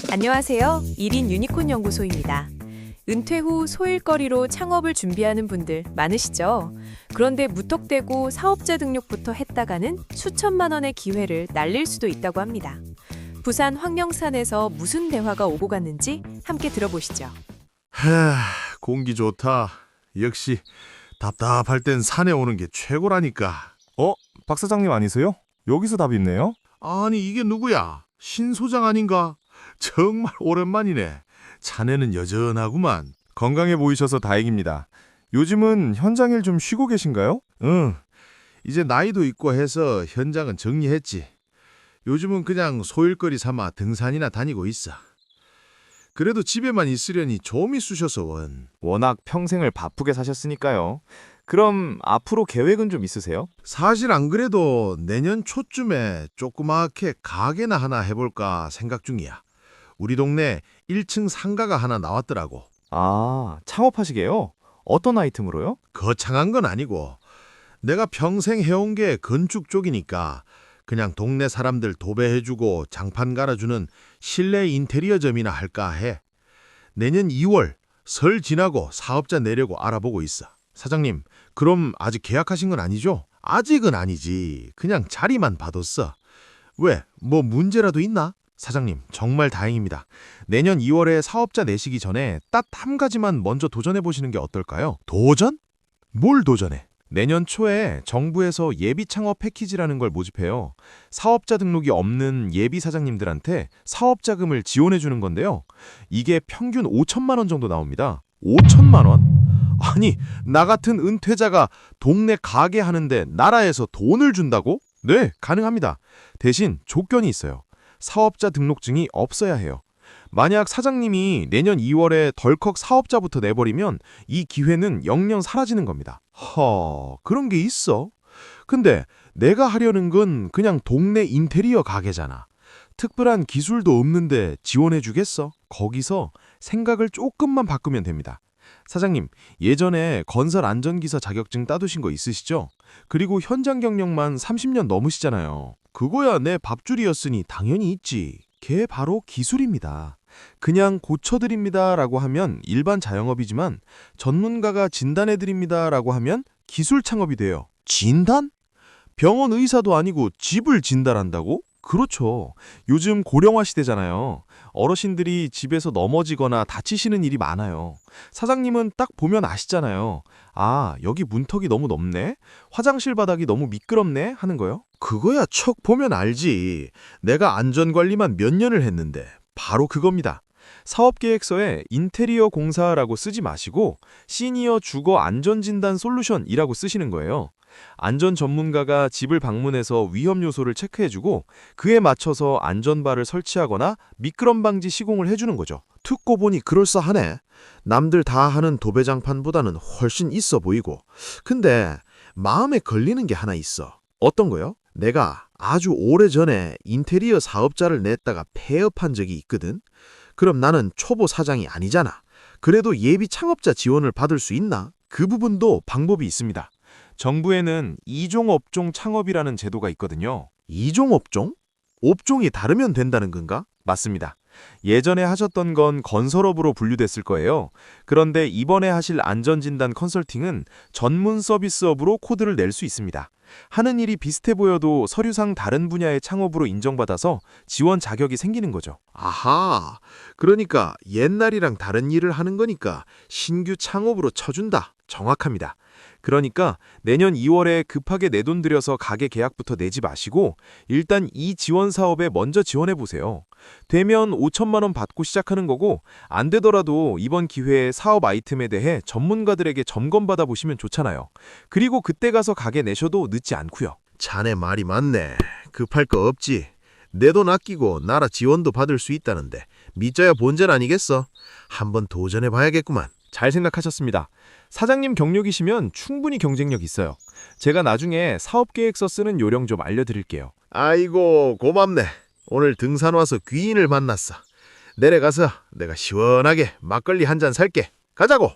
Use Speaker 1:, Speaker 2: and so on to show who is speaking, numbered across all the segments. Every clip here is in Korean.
Speaker 1: 안녕하세요. 1인 유니콘 연구소입니다. 은퇴 후 소일거리로 창업을 준비하는 분들 많으시죠? 그런데 무턱대고 사업자 등록부터 했다가는 수천만 원의 기회를 날릴 수도 있다고 합니다. 부산 황령산에서 무슨 대화가 오고 갔는지 함께 들어보시죠.
Speaker 2: 공기 좋다. 역시 답답할 땐 산에 오는 게 최고라니까.
Speaker 3: 박 사장님 아니세요? 여기서 답이 있네요.
Speaker 2: 아니 이게 누구야? 신 소장 아닌가? 정말 오랜만이네. 자네는 여전하구만.
Speaker 3: 건강해 보이셔서 다행입니다. 요즘은 현장 일 좀 쉬고 계신가요?
Speaker 2: 응. 이제 나이도 있고 해서 현장은 정리했지. 요즘은 그냥 소일거리 삼아 등산이나 다니고 있어. 그래도 집에만 있으려니 좀이 쑤셔서 원.
Speaker 3: 워낙 평생을 바쁘게 사셨으니까요. 그럼 앞으로 계획은 좀 있으세요?
Speaker 2: 사실 안 그래도 내년 초쯤에 조그맣게 가게나 하나 해볼까 생각 중이야. 우리 동네 1층 상가가 하나 나왔더라고.
Speaker 3: 아, 창업하시게요? 어떤 아이템으로요?
Speaker 2: 거창한 건 아니고 내가 평생 해온 게 건축 쪽이니까 그냥 동네 사람들 도배해주고 장판 갈아주는 실내 인테리어점이나 할까 해. 내년 2월 설 지나고 사업자 내려고 알아보고 있어. 사장님, 그럼 아직 계약하신 건 아니죠? 아직은 아니지. 그냥 자리만 봐뒀어. 왜? 뭐 문제라도 있나? 사장님, 정말 다행입니다. 내년 2월에 사업자 내시기 전에 딱 한 가지만 먼저 도전해보시는 게 어떨까요? 도전? 뭘 도전해?
Speaker 3: 내년 초에 정부에서 예비 창업 패키지라는 걸 모집해요. 사업자 등록이 없는 예비 사장님들한테 사업 자금을 지원해 주는 건데요. 이게 평균 5천만 원 정도 나옵니다. 5천만 원?
Speaker 2: 아니, 나 같은 은퇴자가 동네 가게 하는데 나라에서 돈을 준다고?
Speaker 3: 네, 가능합니다. 대신 조건이 있어요. 사업자 등록증이 없어야 해요. 만약 사장님이 내년 2월에 덜컥 사업자부터 내버리면 이 기회는 영영 사라지는 겁니다.
Speaker 2: 그런 게 있어? 근데 내가 하려는 건 그냥 동네 인테리어 가게잖아. 특별한 기술도 없는데 지원해 주겠어?
Speaker 3: 거기서 생각을 조금만 바꾸면 됩니다. 사장님, 예전에 건설 안전기사 자격증 따두신 거 있으시죠? 그리고 현장 경력만 30년 넘으시잖아요.
Speaker 2: 그거야 내 밥줄이었으니 당연히 있지.
Speaker 3: 걔 바로 기술입니다. 그냥 고쳐드립니다라고 하면 일반 자영업이지만 전문가가 진단해드립니다라고 하면 기술 창업이 돼요.
Speaker 2: 진단? 병원 의사도 아니고 집을 진단한다고?
Speaker 3: 그렇죠. 요즘 고령화 시대잖아요. 어르신들이 집에서 넘어지거나 다치시는 일이 많아요. 사장님은 딱 보면 아시잖아요. 아, 여기 문턱이 너무 높네? 화장실 바닥이 너무 미끄럽네? 하는 거요.
Speaker 2: 그거야 척 보면 알지. 내가 안전관리만 몇 년을 했는데.
Speaker 3: 바로 그겁니다. 사업계획서에 인테리어 공사라고 쓰지 마시고 시니어 주거 안전진단 솔루션이라고 쓰시는 거예요. 안전 전문가가 집을 방문해서 위험 요소를 체크해주고 그에 맞춰서 안전바를 설치하거나 미끄럼 방지 시공을 해주는 거죠.
Speaker 2: 듣고 보니 그럴싸하네. 남들 다 하는 도배장판보다는 훨씬 있어 보이고. 근데 마음에 걸리는 게 하나 있어.
Speaker 3: 어떤 거요?
Speaker 2: 내가 아주 오래전에 인테리어 사업자를 냈다가 폐업한 적이 있거든. 그럼 나는 초보 사장이 아니잖아. 그래도 예비 창업자 지원을 받을 수 있나?
Speaker 3: 그 부분도 방법이 있습니다. 정부에는 이종업종 창업이라는 제도가 있거든요.
Speaker 2: 이종업종? 업종이 다르면 된다는 건가?
Speaker 3: 맞습니다. 예전에 하셨던 건 건설업으로 분류됐을 거예요. 그런데 이번에 하실 안전진단 컨설팅은 전문 서비스업으로 코드를 낼 수 있습니다. 하는 일이 비슷해 보여도 서류상 다른 분야의 창업으로 인정받아서 지원 자격이 생기는 거죠.
Speaker 2: 아하, 그러니까 옛날이랑 다른 일을 하는 거니까 신규 창업으로 쳐준다.
Speaker 3: 정확합니다. 그러니까 내년 2월에 급하게 내 돈 들여서 가게 계약부터 내지 마시고 일단 이 지원 사업에 먼저 지원해 보세요. 되면 5천만 원 받고 시작하는 거고 안 되더라도 이번 기회에 사업 아이템에 대해 전문가들에게 점검받아 보시면 좋잖아요. 그리고 그때 가서 가게 내셔도 늦지 않고요.
Speaker 2: 자네 말이 맞네. 급할 거 없지. 내 돈 아끼고 나라 지원도 받을 수 있다는데 믿져야 본전 아니겠어? 한번 도전해 봐야겠구만.
Speaker 3: 잘 생각하셨습니다. 사장님 경력이시면 충분히 경쟁력 있어요. 제가 나중에 사업계획서 쓰는 요령 좀 알려드릴게요.
Speaker 2: 아이고 고맙네. 오늘 등산 와서 귀인을 만났어. 내려가서 내가 시원하게 막걸리 한 잔 살게. 가자고.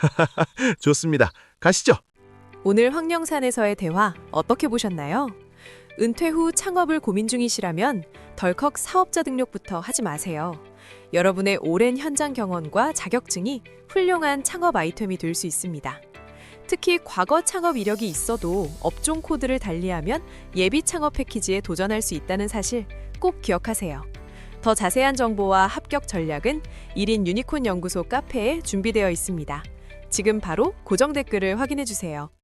Speaker 3: 좋습니다. 가시죠.
Speaker 1: 오늘 황령산에서의 대화 어떻게 보셨나요? 은퇴 후 창업을 고민 중이시라면 덜컥 사업자 등록부터 하지 마세요. 여러분의 오랜 현장 경험과 자격증이 훌륭한 창업 아이템이 될 수 있습니다. 특히 과거 창업 이력이 있어도 업종 코드를 달리하면 예비 창업 패키지에 도전할 수 있다는 사실 꼭 기억하세요. 더 자세한 정보와 합격 전략은 1인 유니콘 연구소 카페에 준비되어 있습니다. 지금 바로 고정 댓글을 확인해 주세요.